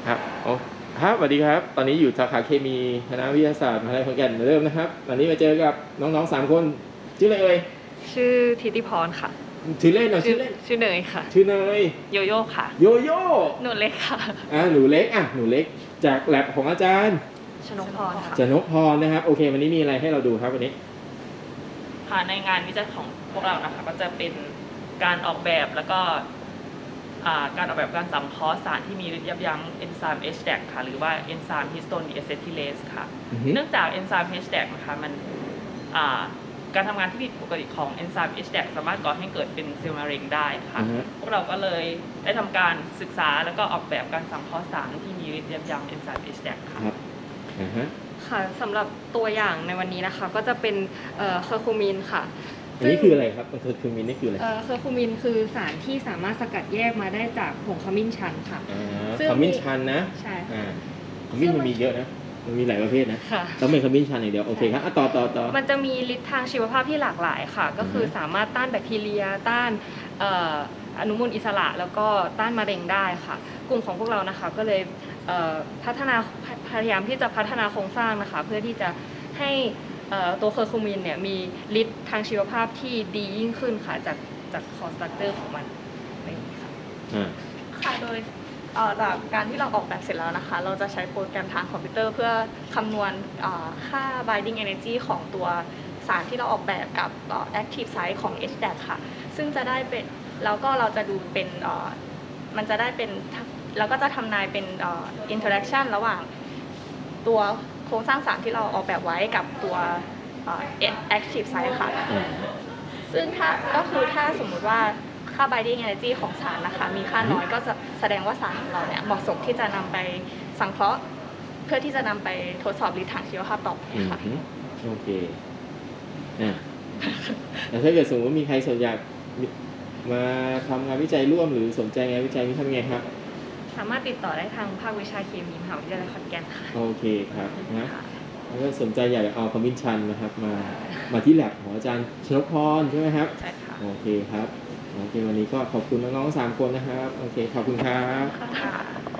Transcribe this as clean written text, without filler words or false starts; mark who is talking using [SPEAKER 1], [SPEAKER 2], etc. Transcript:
[SPEAKER 1] ครับโอ้ครับสวัสดีครับตอนนี้อยู่สาขาเคมีคณะวิทยาศาสตร์มหาวิทยาลัยขอนแก่นเหมือนเดิมนะครับวันนี้มาเจอกับน้องๆ3คนชื่ออะไรเอ่ย
[SPEAKER 2] ชื่อธิติพรค่ะ
[SPEAKER 1] ชื่อเล่นเหรอชื่อเล่น
[SPEAKER 2] ชื่อเนยค่ะ
[SPEAKER 1] ชื่อเนย
[SPEAKER 2] โยโย่ค่ะ
[SPEAKER 1] โยโย่
[SPEAKER 2] หนูเล็กค่ะ
[SPEAKER 1] หนูเล็กหนูเล็กจากแลบของอาจารย์
[SPEAKER 2] ชนกพรค่ะ
[SPEAKER 1] ชนกพรนะครับโอเควันนี้มีอะไรให้เราดูครับวันนี้
[SPEAKER 2] ค่ะในงานวิจัยของพวกเรานะคะก็จะเป็นการออกแบบแล้วก็การออกแบบการสังเคราะห์สารที่มีฤทธิ์ยับยั้งเอนไซม์ HDAC ค่ะหรือว่าเอนไซม์ฮิสโตนดีอะเซทิเลสค่ะเนื่องจากเอนไซม์ HDAC นะคะมันการทำงานที่ผิดปกติของเอนไซม์ HDAC สามารถก่อให้เกิดเป็นเซลล์มะเร็งได้ค่ะพวกเราก็เลยได้ทำการศึกษาแล้วก็ออกแบบการสังเคราะห์สารที่มีฤทธิ์ยับยั้งเอนไซม์ HDAC ค่ะ
[SPEAKER 3] ค่ะสำหรับตัวอย่างในวันนี้นะคะก็จะเป็นเคอร์คูมินค่ะ
[SPEAKER 1] อันนี้คืออะไรครับเคอร์คูมินนี่คืออะไร
[SPEAKER 3] เคอร์คูมินคือสารที่สามารถสกัดแยกมาได้จากผงขมิ้นชันค่ะ
[SPEAKER 1] ขมิ้นชันนะ
[SPEAKER 3] ใช่
[SPEAKER 1] ขมิ้นมันมีเยอะนะมันมีหลายประเภทนะต้องเป็นขมิ้นชันอย่างเดียวโอเคครับต่อ
[SPEAKER 3] มันจะมีฤทธิ์ทางชีวภาพที่หลากหลายค่ะก็คือสามารถต้านแบคทีเรียต้านอนุมูลอิสระแล้วก็ต้านมะเร็งได้ค่ะกลุ่มของพวกเรานะคะก็เลยพยายามที่จะพัฒนาโครงสร้างนะคะเพื่อที่จะให้ตัวเคอร์คูมินเนี่ยมีฤทธิ์ทางชีวภาพที่ดียิ่งขึ้นค่ะจากคอสตรัคเตอร์ของมันนี่ค่ะ
[SPEAKER 2] ค่ะโดยจากการที่เราออกแบบเสร็จแล้วนะคะเราจะใช้โปรแกรมทางคอมพิวเตอร์เพื่อคำนวณค่า binding energy ของตัวสารที่เราออกแบบกับ active site ของ HDAC ค่ะซึ่งจะได้เป็นแล้วก็เราจะดูเป็นมันจะได้เป็นเราก็จะทำนายเป็นinteraction ระหว่างตัวโครงสร้างสารที่เราออกแบบไว้กับตัว active site ค่ะซึ่งถ้าสมมุติว่าค่า binding energy ของสารนะคะมีค่าน้อยก็จะแสดงว่าสารของเราเนี่ยเหมาะสมที่จะนำไปสังเคราะห์เพื่อที่จะนำไปทดสอบฤทธิ์ทางชีวภาพต่อไปค่ะ
[SPEAKER 1] โอเคแต่ถ้าเกิดสมมติว่ามีใครสนใจมาทำงานวิจัยร่วมหรือสนใจงานวิจัยนี้ทำไงครับ
[SPEAKER 3] สามารถติดต่อได้ทางภาควิชาเคมีมหาวิทยาลัยขอนแก่นค่ะ
[SPEAKER 1] โอเคครับนะแล้วก็สนใจอยากเอาขมิ้นชันนะครับมาที่แลบของอาจารย์ชนกพรใช่ไหมครับ
[SPEAKER 3] ใช่ค่ะ
[SPEAKER 1] โอเคครับโอเควันนี้ก็ขอบคุณน้องๆ3คนนะครับโอเคขอบคุณครับ